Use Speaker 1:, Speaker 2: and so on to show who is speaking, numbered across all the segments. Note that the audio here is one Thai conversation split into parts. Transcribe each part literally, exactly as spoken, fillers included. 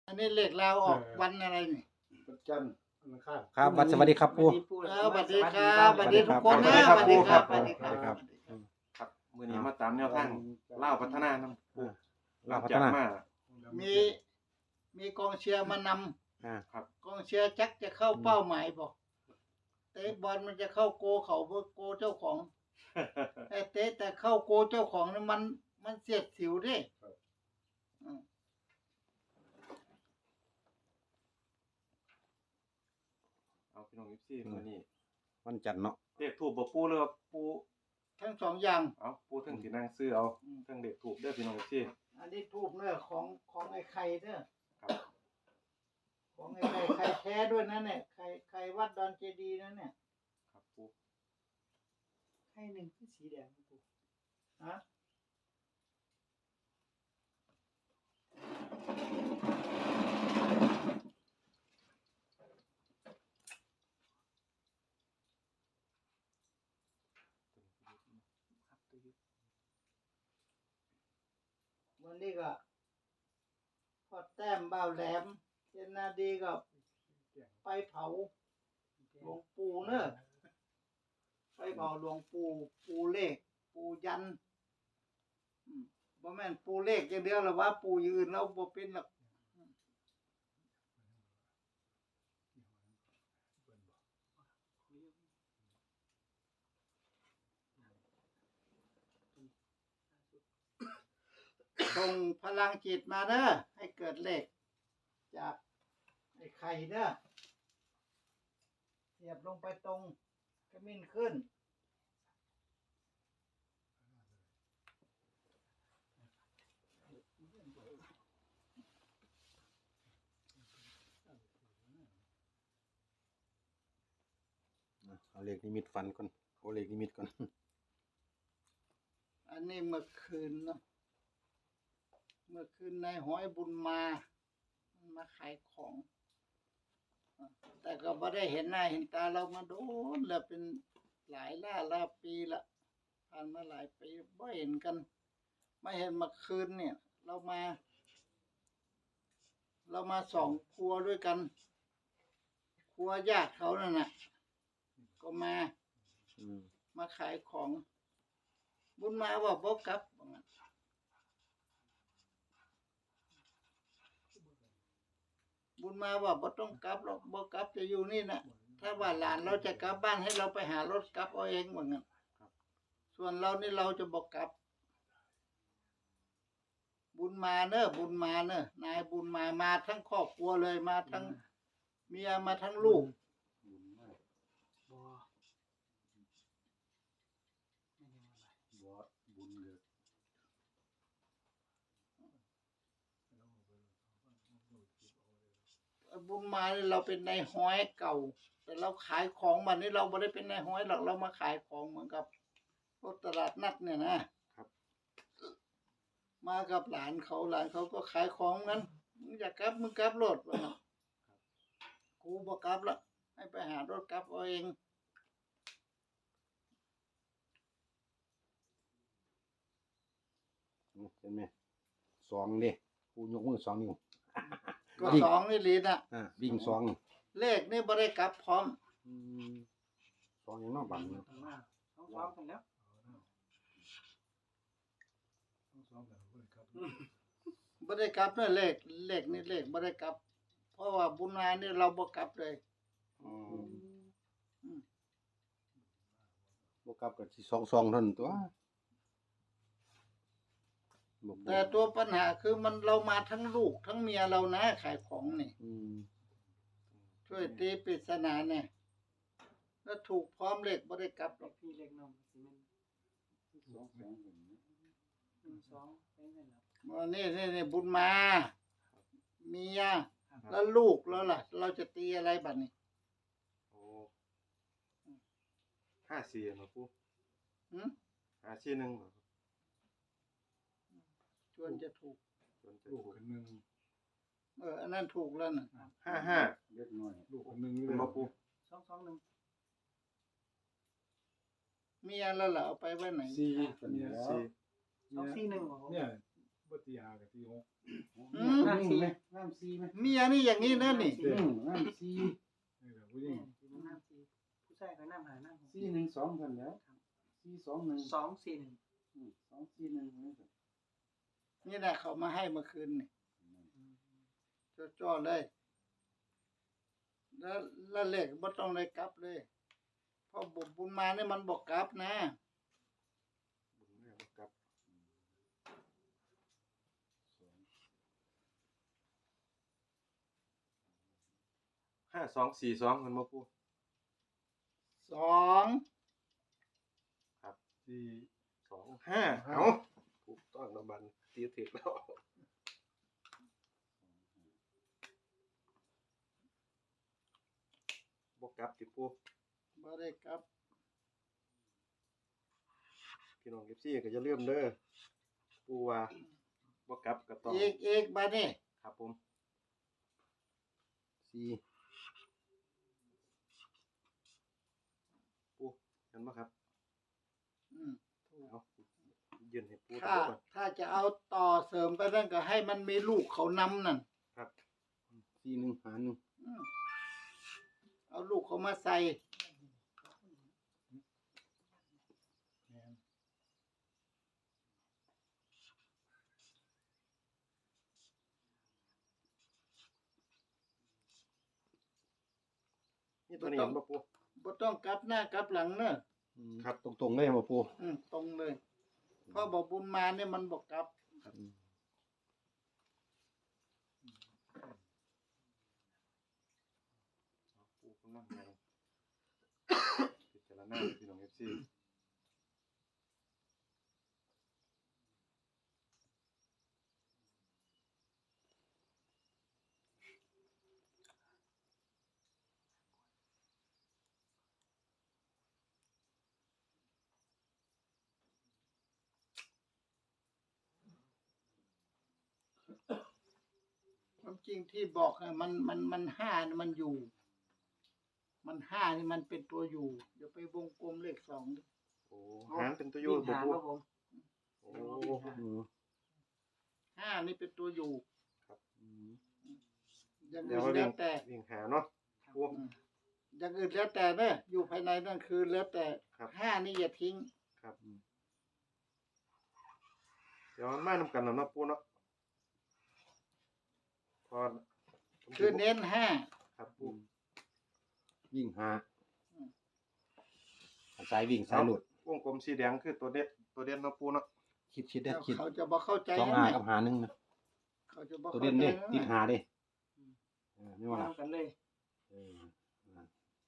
Speaker 1: อันนี้เลขลาวออกวันอะไรนี่
Speaker 2: วันจันทร์วันอังคาร
Speaker 3: ครับวัดสวัสดีครับปู่
Speaker 1: เออสวัสดีครับสวัสดีทุกคนนะสวัสดีครับสวัสดีค
Speaker 3: สวัสดีครั
Speaker 1: รับ บ
Speaker 4: ครับมื้อนี้มาตามแนวทางลาวพัฒนานำปู่
Speaker 3: ลาวพัฒนา
Speaker 4: มา
Speaker 1: มีมีกองเชียร์มานำ
Speaker 3: อ่า
Speaker 4: ครับ
Speaker 1: กองเชียร์จักจะเข้าเป้าหมายบอกเตะบอลมันจะเข้าโกเขาเพื่อโกเจ้าของแต่เตะแต่เข้าโกเจ้าของนี่มันมันเสียดสิวเด้อืม
Speaker 4: เอาพี่น้อง เอฟ ซี มื้อนี้
Speaker 3: วันจันทร์เนาะ
Speaker 4: เลขทูปบ่ปู่หรือว่าปู่
Speaker 1: ทั้งสองอย่าง
Speaker 4: เอาปู่เทั้งสินั่งซื้อเอา
Speaker 1: อืม
Speaker 4: เทั้งเลขทูปเด้อพี่น้อง เอฟ ซี
Speaker 1: อันนี้ทูบเนื้อของของไอ้ไข่เด้อ
Speaker 4: ครับ
Speaker 1: ของไอ้ไข่ไข่แท้ด้วยนะเนี่ยไข่ไข่วัดดอนเจดีย์นะเนี่ย
Speaker 4: ครับปู่
Speaker 1: ไข่หนึ่งคือสีแดงนะปู่ฮะวันนี้ก็พอแต้มบ่าวแหลมเจนนาดีก็ไปเผาหลวงปู่เนอะไปเผาหลวงปู่ปู่เลขปู่ยันอืมบ่แม่นปู่เลขอย่างเดียวหรอกว่าปู่อย่างอื่นเราบ่เป็นหรอกส่งพลังจิตมาเด้อให้เกิดเลขจากไอ้ไข่เด้อเสียบลงไปตรงกระมิ้นขึ้น
Speaker 3: เอาเลขนิมิตฟันก่อนเอาเลขนิมิตก่อน
Speaker 1: อันนี้เมื่อคืนเนาะเมื่อคืนนายห้อยบุญมามันมาขายของอ่ะแต่ก็ไม่ได้เห็นหน้าเห็นตาเรามาโดนแล้วเป็นหลายล่าล่าปีละผ่านมาหลายปีไม่เห็นกันไม่เห็นเมื่อคืนเนี่ย เรามา เรามาสองครัวด้วยกัน ครัวญาติเขานั่นน่ะ ก็มา
Speaker 3: อืม
Speaker 1: มาขายของ บุญมาว่าบ่กลับว่างั้นบุญมาว่าบ่ต้องกลับหรอกบ่กลับจะอยู่นี่นะถ้าว่าหลานเราจะกลับบ้านให้เราไปหารถกลับเอาเองว่างั้นส่วนเรานี่เราจะบ่กลับ บุญมาเนอะบุญมาเนอะนายบุญมามาทั้งครอบครัวเลยมาทั้งเมียมาทั้งลูก
Speaker 2: บุญมาก
Speaker 1: บ่
Speaker 2: บ่บุญเกิด
Speaker 1: บุญมาเนี่ยเราเป็นนายห้อยเก่า แต่เราขายของมันนี่เราไม่ได้เป็นนายห้อยหรอกเรามาขายของเหมือนกับรถตลาดนัดเนี่ยนะครับ มากับหลานเขาหลานเขาก็ขายของงั้นมึงอยากกลับมึงกลับรถวะนะกูบอกกลับละให้ไปหารถกลับเอาเอง
Speaker 3: เห็นไหมสองเด้ปู่ยกมือสองนิ้ว
Speaker 1: ก็สองนี่ลีน่ะ
Speaker 3: อ่าวิ่งสอง
Speaker 1: เลขนี่ไม่ได้กลับพร้อม
Speaker 3: อืมสองอย่างนอกบังเนาะ
Speaker 2: ต้องซ้อมกันแล้วต้องซ้อมกันเพื่อนครับ
Speaker 1: ไม่ได้กลับเนี่ยเลขเลขนี่เลขไม่ได้กลับ เพราะว่าบุญมาเนี่ยเราบ่กลับเลย
Speaker 3: อืมบ่กลับกับสิสองสองเท่านั้นตัวบ่บ่
Speaker 1: แต่ตัวปัญหาคือมันเรามาทั้งลูกทั้งเมียเรานะขายของนี่
Speaker 3: อืม
Speaker 1: ช่วยตีปริศนาเนี่ยแล้วถูกพร้อมเลขบ่ได้กลับหรอก
Speaker 5: พี่เล็กน้องสิแม่น
Speaker 2: สองสองหนึ่ง
Speaker 5: หนึ่งสองเป็นไงล่ะ
Speaker 1: วันนี้นี่นี่บุญมาเมียแล้วลูกแล้วล่ะ เราจะตีอะไรบัดนี้
Speaker 4: โอ้ห้าสี่เนาะปู่
Speaker 1: หืม
Speaker 4: ห้าสี่หนึ่งเหรอ
Speaker 1: ชวนจะถูก
Speaker 4: จนจะ
Speaker 2: ลูก
Speaker 4: ถูก
Speaker 2: คนหนึ่ง
Speaker 1: เอออันนั้นถูกแล้วน่ะ
Speaker 4: ห้าห้า
Speaker 2: เล็กน้อยลูกคนหนึ่ง
Speaker 4: เป็นบ่ปู่
Speaker 5: สองสองหนึ่ง
Speaker 1: เมียแล้วล่ะเอาไปไว้ไหน
Speaker 2: สี่คนนี้แล้ว
Speaker 4: สี่
Speaker 5: สองสี่หนึ่งของผม
Speaker 2: เนี่ยบ่ตีห้ากับตีหก
Speaker 1: อืม
Speaker 5: น้ำซีไหมน้ำซีไหม
Speaker 1: เมียนี่อย่างนี้นะนี่
Speaker 5: อืมน้ำซี
Speaker 2: นี่แหละผู้หญิง
Speaker 5: น้ำซีผู้ชายก็น้ำหาน้ำหก
Speaker 6: สี่หนึ่งสองกันแล้วสี่สองหนึ่ง
Speaker 5: สองสี่หนึ่ง
Speaker 6: อืมสองสี่หนึ่งนี่ครับ
Speaker 1: นี่แหละเขามาให้เมื่อคืนนี่จ่อๆเลย แล้วแล้วเลขบ่ต้องได้กลับเลยเพราะบุญบุญมาเนี่ยมันบอกกลับนะ
Speaker 3: บุญแม่บ่กลับ
Speaker 4: ห้าสองสี่สองมันมาปู
Speaker 1: สอง
Speaker 2: สี่
Speaker 4: สองห้าเอา
Speaker 3: ถูกต้องน้ำบันตีถึกแล้ว
Speaker 4: บวกกลับติปู
Speaker 1: บ่ได้กลับ
Speaker 4: พี่น้องเอฟซีก็จะเริ่าลืมเด้อปูว่าบวกกลับก็ต้อง
Speaker 1: เอกเอกบาดนี่
Speaker 4: ครับผม
Speaker 3: สี่
Speaker 4: ปูเห็นไหมครับ
Speaker 1: อืม
Speaker 4: เอายืนให้ปู
Speaker 1: ถ้า
Speaker 4: ดูก่อน
Speaker 1: ถ้าจะเอาต่อเสริมก็นั่นก็ให้มันมีลูกเขานำนั่น
Speaker 4: ครับ
Speaker 3: สี่หนึ่งหาหนึ่ง
Speaker 1: อืมเอาลูกเขามาใส่
Speaker 2: แม่น
Speaker 4: นี่ตัวนี้เห็นปะปู
Speaker 1: บ่ต้องกลับหน้ากลับหลังเนอะ
Speaker 3: อืมครับตรงๆเลยบ่ปู
Speaker 1: อืมตรงเลย เพราะบอกบุญมาเนี่ยมันบอกกลับ
Speaker 3: อืม
Speaker 4: ปูกำลังยังพิจารณาพี่น้องเอฟซี
Speaker 1: ความจริงที่บอกอะมันมันมันห้านี่มันอยู่ มันห้านี่มันเป็นตัวอยู่อย่าไปวงกลมเลขสองดิ
Speaker 4: โอ้หางเป็นตัวโย
Speaker 5: วิ่
Speaker 4: น
Speaker 5: ง
Speaker 4: บ่
Speaker 5: หา
Speaker 4: ปู
Speaker 5: ครับผม
Speaker 4: โอ้
Speaker 3: อืม
Speaker 1: ห้านี่เป็นตัวอยู่
Speaker 3: อืม
Speaker 1: อย่าง
Speaker 4: เดี๋ย
Speaker 1: อื่
Speaker 4: วน เราเรี
Speaker 1: แล้
Speaker 4: ยง
Speaker 1: วแต่
Speaker 4: เรียงหาเนาะปู
Speaker 1: อืมอย่างอื่นแล้วแต่เนอะอยู่ภายในนั่นคือแล้วแต่
Speaker 4: ครับ
Speaker 1: ห้านี่อย่าทิ้ง
Speaker 4: ครับเดี๋ยวมันมานำกันแล้วเนาะปูเนาะพอ
Speaker 1: คือเน้นห้า
Speaker 4: ครับ
Speaker 3: อื
Speaker 4: ปู
Speaker 3: มวิ่งหาสายวิ่งสายหลุด
Speaker 4: วงกลมสีแดงคือตัวเด็ดตัวเด่นเนาะปูเนาะ
Speaker 3: คิดคิดได้คิด
Speaker 1: เขาจะบอกเข้าใจ
Speaker 3: สอง
Speaker 1: นะ
Speaker 3: หากับหาหนึ่งนะ
Speaker 1: เขาจะบอก
Speaker 3: ตัว
Speaker 1: เข้า
Speaker 3: เด่น
Speaker 1: ใจ
Speaker 3: เด้
Speaker 1: นะ
Speaker 3: ติดหาเด้เออไม่ว่าล่ะ
Speaker 5: เอากันเลย
Speaker 3: เอออ่า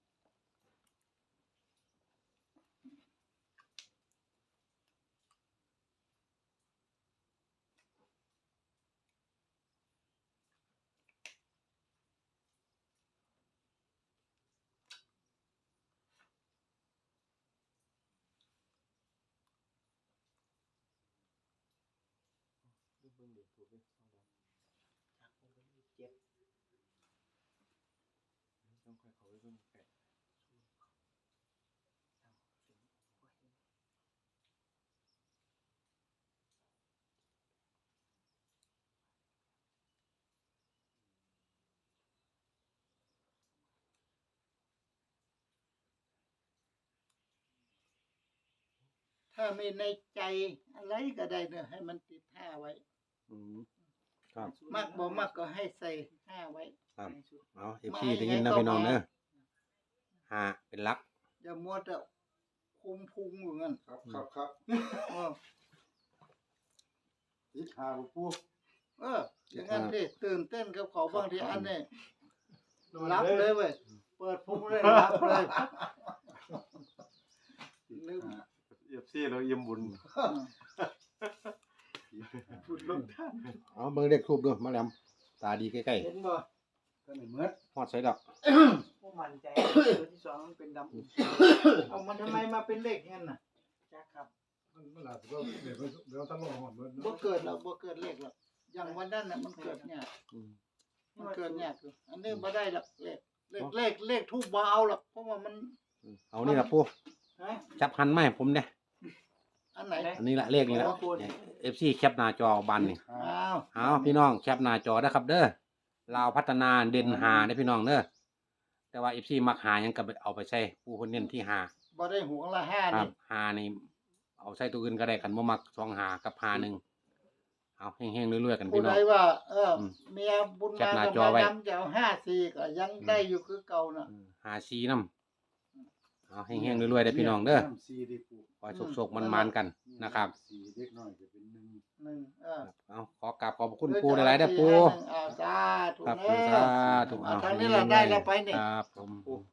Speaker 4: เบิ่งเดี๋ยวถูกเด้อ
Speaker 5: เจ็ด
Speaker 4: ต้องค่อยเข้าไปเบิ่งใกล้
Speaker 1: ถ้ามีในใจอะไรก็ได้เนอะให้มันติดห้าไว้
Speaker 3: อืมครับ
Speaker 1: มากบ่มากก็ให้ใส่ห้าไว้
Speaker 3: ครับเอาเอฟ
Speaker 1: มา
Speaker 3: ซี
Speaker 1: ให้
Speaker 3: ได้ยินนะ
Speaker 1: ให้
Speaker 3: พี่น้อง
Speaker 1: เข้ามา
Speaker 3: เนอะหาเป็นหลัก
Speaker 1: อย่ามัวแต่คุมพุงอยู่งั้น
Speaker 6: ครับครับครับ
Speaker 1: เออ
Speaker 6: ติดหาบ่ปู
Speaker 1: เอออย่างนั้นดิตื่นเต้นกับเขาบางทีอันนี้รับเลยเว้ยเปิดพุงเลยรับเลยลืม
Speaker 4: เอฟซีเราเยี่ยมบุญ
Speaker 1: บุญลงท่าน
Speaker 3: เอาเบิ่งเลขทูบด้วยมาแหลมตาดีใกล้
Speaker 1: เห็นบ่
Speaker 6: ก็ไม่เหมือน
Speaker 3: ๆฮอดใส่แล้ว
Speaker 5: ผู้มั่นใจตัวที่สองมันเป็นดำอุ่น
Speaker 1: เอามันทำไมมาเป็นเลขงั้นน่ะ
Speaker 5: จักครับ
Speaker 2: มันมันอาจจะว่าเดี๋ยวมันเดี๋ยวท่านลงหอดเบิด
Speaker 1: บ่
Speaker 2: เนาะ
Speaker 1: เกิดหรอกบ่เกิดเลขหรอกอย่างวันนั้นน่ะมันเกิดเนี่ยาก
Speaker 3: อืม
Speaker 1: มันเกิดเนี่ยากอยู่อันนี้บ่ได้หรอกเลขเลขเลขเลขทูบบ่เอาหรอกเพราะว่ามัน
Speaker 3: เอานี่ล่ะปู
Speaker 1: ฮะ
Speaker 3: จับหันมาให้ผมเนี่ย
Speaker 1: อันไหน
Speaker 3: อันนี้ละเลขนี้ละ
Speaker 5: โอ้คุณ
Speaker 3: เอฟซีแคปหน้าจอบันนี่
Speaker 1: อ้าว
Speaker 3: เอาพี่น้องแคปหน้าจอนะครับ เด้อลาวพัฒนาเด่นหาได้อพี่น้องเด้อแต่ว่าเอฟซีมักหายังก็ไปเอาไปใช้ผู้คนเน้นที่หา
Speaker 1: บ่ได้หวงละห้า
Speaker 3: ครั
Speaker 1: นี่
Speaker 3: บหานี่เอาใช้ตัวอื่นก็ได้กันบ่มักสองหากับหาหนึ่งเอาเฮงๆเรื่อยๆกัน
Speaker 1: ผู้
Speaker 3: พี่น้
Speaker 1: ใด
Speaker 3: อง
Speaker 1: ว่า เอออ
Speaker 3: ม
Speaker 1: เมียบุญ
Speaker 3: แคป
Speaker 1: มา
Speaker 3: หน้า
Speaker 1: กับ
Speaker 3: จอ
Speaker 1: มา
Speaker 3: ไว้
Speaker 1: ดำจะเอาห้าสี่ก็ยังได้อยู่คือเก่าน่ะ
Speaker 3: หาซีน้ำเอาเฮงๆเรื่อยๆได้อพี่น้องเด้อ
Speaker 6: น้ำสี่ได้ปู
Speaker 3: ขอให้สุกๆมันๆกันนะครับ
Speaker 6: สี่เล็กน้อยจะเป็นหนึ่ง
Speaker 1: หนึ่งเออ
Speaker 3: เอาขอกราบขอบคุณปูหลายๆเด้อปู
Speaker 1: อ้าวสาธุ
Speaker 3: ครับ
Speaker 1: เด้
Speaker 3: สา
Speaker 1: อ
Speaker 3: ธุ
Speaker 1: เอาทางนี้เราได้แล้วไปนี่
Speaker 3: ครับผม
Speaker 4: ปู